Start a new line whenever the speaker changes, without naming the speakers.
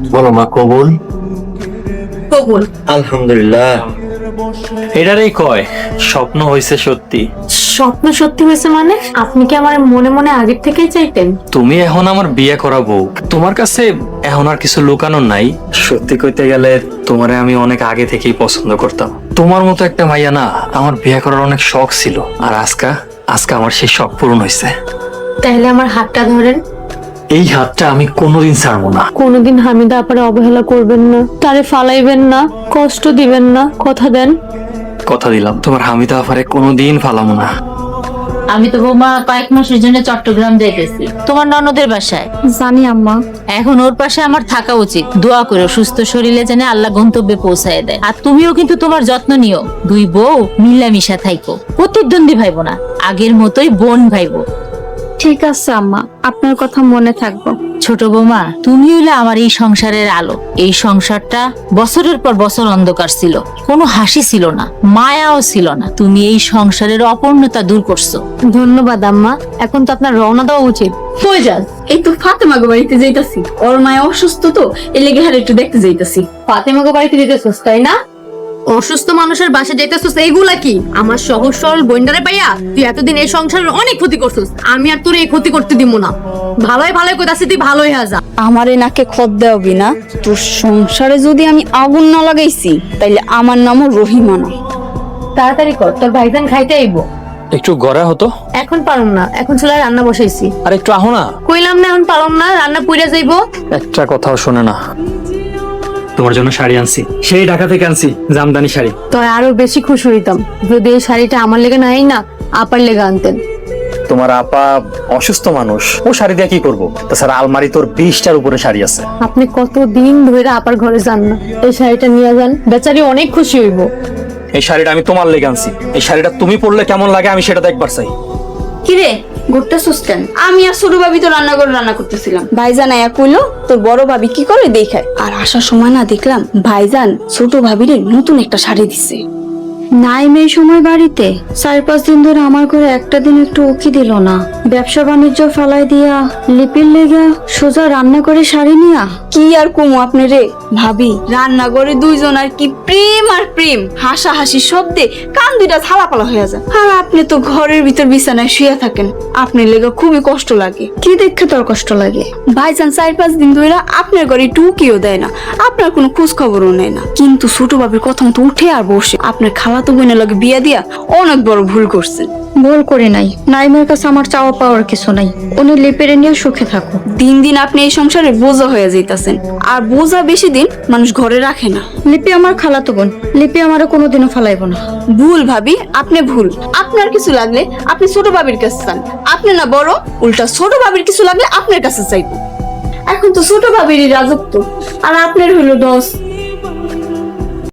বলো মা, কবুল।
কবুল।
আলহামদুলিল্লাহ।
এটারই কয় স্বপ্ন হইছে সত্যি।
স্বপ্ন সত্যি হয়েছে মানে? আপনি কি আমার মনে মনে আগের থেকেই চাইতেন?
তুমি এখন আমার বিয়ে করা বউ, তোমার কাছে এখন আর কিছু লুকানোর নাই। সত্যি কইতে গেলে তোমারে আমি অনেক আগে থেকেই পছন্দ করতাম। তোমার মতো একটা মাইয়া না আমার বিয়ে করার অনেক শখ ছিল, আর আজকে আমার সেই শখ পূরণ হয়েছে।
তাহলে আমার হাতটা ধরেন।
এই হাতটা আমি কোনোদিন ছাড়বো না।
কোনোদিন হামিদা আপারে অবহেলা করবেন না, তারে ফালাইবেন না, কষ্ট দিবেন না, কথা দেন?
কথা দিলাম, তোমার হামিদা আফারে কোনোদিন ফালাবো না।
আমি তো বৌমা কয়েক মাসের জন্য চট্টগ্রাম যাইতেছি তোমার ননদের বাসায়।
জানি আম্মা।
এখন ওর পাশে আমার থাকা উচিত। দোয়া করো সুস্থ শরীরে যেন আল্লাহ গন্তব্যে পৌঁছায় দেয়। আর তুমিও কিন্তু তোমার যত্ন নিও। দুই বউ মিলামিশা থাইকো, প্রতিদ্বন্দ্বী ভাইবো না, আগের মতোই বোন ভাইবো।
ঠিক আছে আম্মা, আপনার কথা মনে থাকবো।
ছোট বৌমা, তুমি হইলে আমার এই সংসারের আলো। এই সংসারটা বছরের পর বছর অন্ধকার ছিল, কোনো হাসি ছিল না, মায়াও ছিল না। তুমি এই সংসারের অপূর্ণতা দূর করছো।
ধন্যবাদ আম্মা। এখন তো আপনার রওনা দেওয়া উচিত।
কই যাস? এই তো ফাতেমা গো বাড়িতে যাইতাছি। ওর মায়া অসুস্থ তো, এর লেগে হারে একটু দেখতে যাইতাছি।
ফাতেমাকে বাড়িতে যেতেছস তাই না? অসুস্থ মানুষের বাসা যাইতেছস, এইগুলা কি? আমার সহজ সরল বইন্ডারে পাইয়া তুই এতদিন এই সংসারের অনেক ক্ষতি করছস। আমি আর তোর এই ক্ষতি করতে দিব না। ভালোই কইতাছি, তুই ভালোই হয়ে যা।
আমারে নাকে খত দেওয়াবি না। তোর সংসারে যদি আমি আগুন না লাগাইছি তাইলে আমার নামও রহিমা না।
তাড়াতাড়ি কর, তোর ভাইজান খাইতে আইবো।
একটু গড়া হতো।
এখন পারুম না, এখন চুলায় রান্না বসাইছি।
আর একটু আহো না।
কইলাম না এখন পারুম না, রান্না পুইরা যাইবো।
একটা কথাও শোনে না। তোমার জন্য শাড়ি আনছি, সেই ঢাকা থেকে আনছি, জামদানি শাড়ি।
তো আরো বেশি খুশি হইতাম যদি এই শাড়িটা আমার লেগে নাই না আপার লেগে আনতেন।
তোমার আপা অসুস্থ মানুষ, ও শাড়ি দিয়ে কি করবো? তাছাড়া আলমারি তোর 20টার উপরে শাড়ি আছে।
আপনি কতদিন ধরে আপার ঘরে যান না, এই শাড়িটা নিয়ে যান, বেচারি অনেক খুশি হইব।
এই শাড়িটা আমি তোমার লেগে আনছি। এই শাড়িটা তুমি পরলে কেমন লাগে আমি সেটা দেখবার চাই।
কিরে ঘুরতে সুস্টেন? আমি আর ছোট ভাবি তো রান্না করতেছিলাম। ভাইজান আয়া কইলো তোর বড় ভাবি কি করে দেখায়। আর আসার সময় না দেখলাম ভাইজান ছোট ভাবিরে নতুন একটা শাড়ি দিছে।
নাইম এই সময় বাড়িতে 4-5 দিন ধরে আমার ঘরে একটা দিন একটু উকি দিল না। ব্যবসা বাণিজ্য ফালাই দিয়া লিপির লেগা সোজা রান্না করে শাড়ি নিয়া।
কি আর কমু আপনি রে ভাবি, রান্নাঘরে দুইজন আর কি প্রেম আর প্রেম, হাসাহাসি শব্দে কান দুইটা থালাপালা হয়ে যায়। আর আপনি তো ঘরের ভিতর বিছানায় শুয়ে থাকেন, আপনার লেগে খুবই কষ্ট লাগে।
কি দেখে তোর কষ্ট লাগে?
ভাইজান 4-5 দিন ধরে আপনার ঘরে টুকিও দেয় না, আপনার কোনো খোঁজ খবরও নেয় না। কিন্তু ছোট ভাবির কথা মতো উঠে আর বসে। আপনার খালাতো বোনের লগে বিয়া দিয়া অনেক বড় ভুল করছেন।
ভুল করি নাই, নাইমের কাছে আমার চাওয়া পাওয়ার কিছু নাই। উনি লিপিরে নিয়ে সুখে থাকো।
দিন দিন আপনি এই সংসারে বোঝা হয়ে যাইতাছেন, আর বোঝা বেশি দিন মানুষ ঘরে রাখে না।
লিপি আমার খালাতো বোন, লিপি আমারে কোনোদিনও ফালাইব না।
ভুল ভাবি, আপনি ভুল। আপনার কিছু লাগলে আপনি ছোট ভাবির কাছে চান, আপনি না বড়, উল্টা ছোট ভাবির কিছু লাগলে আপনার কাছে চাইব। এখন তো ছোট ভাবিরই রাজত্ব, আর আপনার হইলো দোষ।